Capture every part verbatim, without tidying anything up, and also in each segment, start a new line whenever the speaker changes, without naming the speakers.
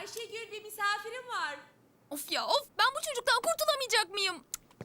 Ayşegül, bir misafirim var.
Of ya of, ben bu çocuktan kurtulamayacak mıyım?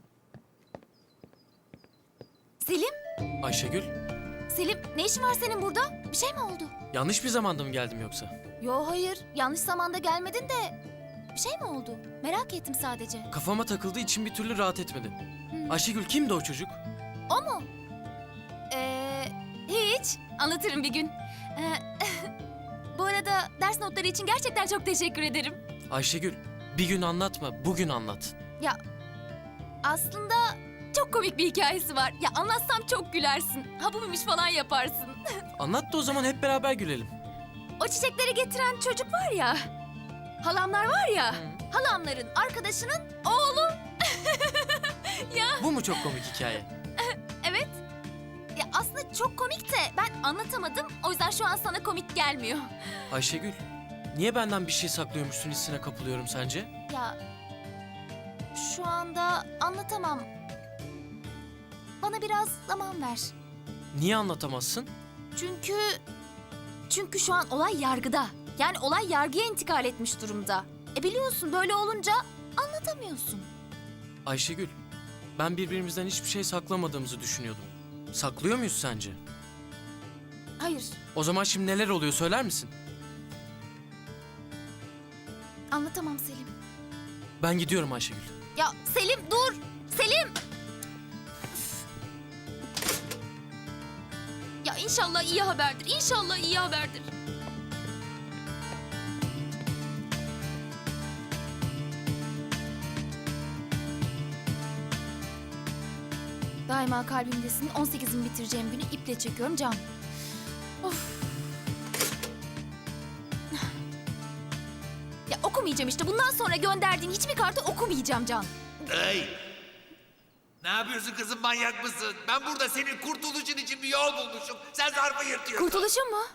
Selim,
Ayşegül,
Selim ne işin var senin burada? Bir şey mi oldu?
yanlış bir zamanda mı geldim yoksa?
Yo hayır, yanlış zamanda gelmedin de bir şey mi oldu? Merak ettim sadece.
Kafama takıldığı için bir türlü rahat etmedim. Ayşegül kimdi o çocuk?
O mu? Ee, hiç. Anlatırım bir gün. Ee, bu arada ders notları için gerçekten çok teşekkür ederim.
Ayşegül, bir gün anlatma, bugün anlat.
Ya aslında çok komik bir hikayesi var. Ya anlatsam çok gülersin. Ha bu muymuş falan yaparsın.
Anlat da o zaman hep beraber gülelim.
O çiçekleri getiren çocuk var ya. Halamlar var ya. Halamların arkadaşının oğlu. Ya
Bu mu çok komik hikaye?
evet. Ya aslında çok komik de ben anlatamadım. O yüzden şu an sana komik gelmiyor.
Ayşegül, niye benden bir şey saklıyormuşsun hissine kapılıyorum sence?
Ya şu anda anlatamam. Bana biraz zaman ver.
Niye anlatamazsın?
Çünkü çünkü şu an olay yargıda. Yani olay yargıya intikal etmiş durumda. E biliyorsun böyle olunca anlatamıyorsun.
Ayşegül, ben birbirimizden hiçbir şey saklamadığımızı düşünüyordum. Saklıyor muyuz sence?
Hayır,
O zaman şimdi neler oluyor söyler misin?
anlatamam Selim.
Ben gidiyorum Ayşegül.
Ya Selim dur! Selim! Ya inşallah iyi haberdir. İnşallah iyi haberdir. Daima kalbimdesin. on sekizimi bitireceğim günü iple çekiyorum Can. Of. Ya okumayacağım işte. Bundan sonra gönderdiğin hiçbir kartı okumayacağım Can.
Hey! Ne yapıyorsun kızım, manyak mısın? Ben burada senin kurtuluşun için bir yol bulmuşum. Sen zarfı yırtıyorsun.
Kurtuluşun mu?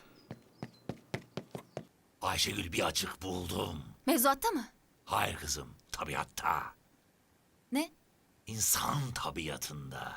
Ayşegül, bir açık buldum.
Mevzuatta mı?
Hayır kızım, tabiatta.
Ne?
İnsan tabiatında.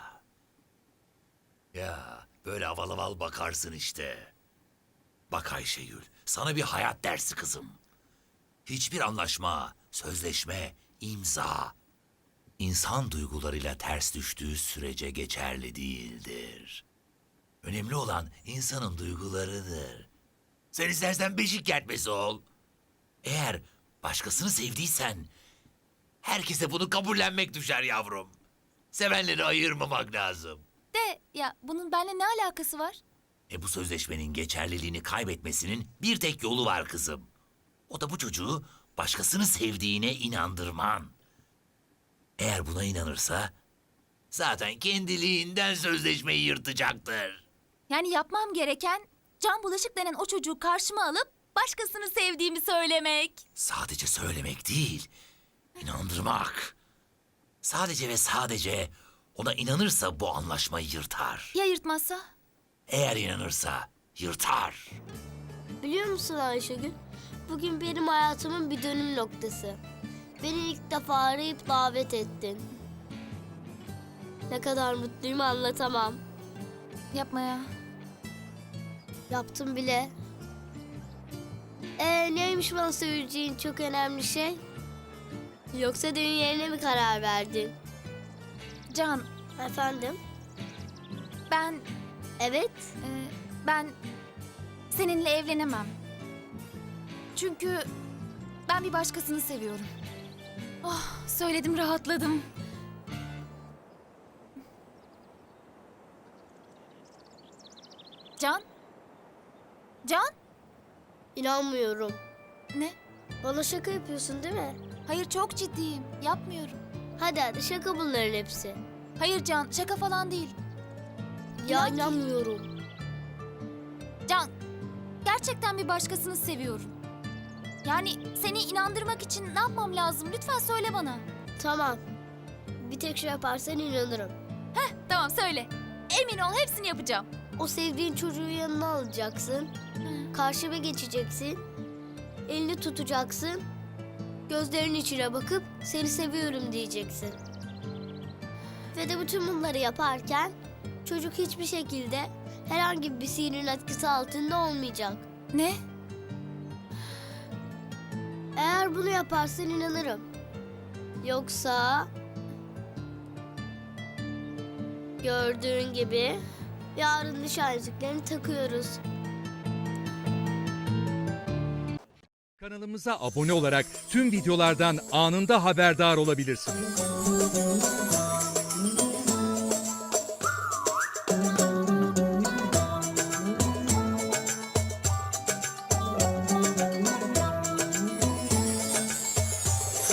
Ya böyle aval aval bakarsın işte. Bak Ayşegül, sana bir hayat dersi kızım. Hiçbir anlaşma, sözleşme, imza İnsan duygularıyla ters düştüğü sürece geçerli değildir. Önemli olan insanın duygularıdır. Sen istersen beşik kertmesi ol. Eğer başkasını sevdiysen herkese bunu kabullenmek düşer yavrum. Sevenleri ayırmamak lazım.
De ya bunun benimle ne alakası var?
E bu sözleşmenin geçerliliğini kaybetmesinin bir tek yolu var kızım. O da bu çocuğu başkasını sevdiğine inandırman. Eğer buna inanırsa zaten kendiliğinden sözleşmeyi yırtacaktır.
Yani yapmam gereken Can Bulaşık denen o çocuğu karşıma alıp başkasını sevdiğimi söylemek.
Sadece söylemek değil, inandırmak. Sadece ve sadece ona inanırsa bu anlaşmayı yırtar.
Ya yırtmazsa?
Eğer inanırsa yırtar.
Biliyor musun Ayşegül? Bugün benim hayatımın bir dönüm noktası. Beni ilk defa arayıp davet ettin. Ne kadar mutluyum anlatamam.
Yapma ya.
Yaptım bile. Ee neymiş bana söyleyeceğin çok önemli şey? Yoksa düğün yerine mi karar verdin?
Can,
Efendim?
ben
Evet.
e, ben seninle evlenemem. Çünkü ben bir başkasını seviyorum. Oh, söyledim rahatladım. Can? Can?
İnanmıyorum.
Ne?
Bana şaka yapıyorsun değil mi?
Hayır çok ciddiyim. Yapmıyorum.
Hadi hadi şaka bunların hepsi.
Hayır Can, şaka falan değil.
Ya
İnan ki-
inanmıyorum.
Can, gerçekten bir başkasını seviyorum. Yani seni inandırmak için ne yapmam lazım? Lütfen söyle bana.
Tamam. Bir tek şey yaparsan inanırım.
Tamam söyle. Emin ol hepsini yapacağım.
O sevdiğin çocuğu yanına alacaksın. Karşıma geçeceksin. Elini tutacaksın. Gözlerinin içine bakıp seni seviyorum diyeceksin. Ve de bütün bunları yaparken çocuk hiçbir şekilde herhangi bir sihrin etkisi altında olmayacak.
Ne?
Eğer bunu yaparsan inanırım. Yoksa... Gördüğün gibi yarın nişan yüzüklerini takıyoruz.
Kanalımıza abone olarak tüm videolardan anında haberdar olabilirsiniz.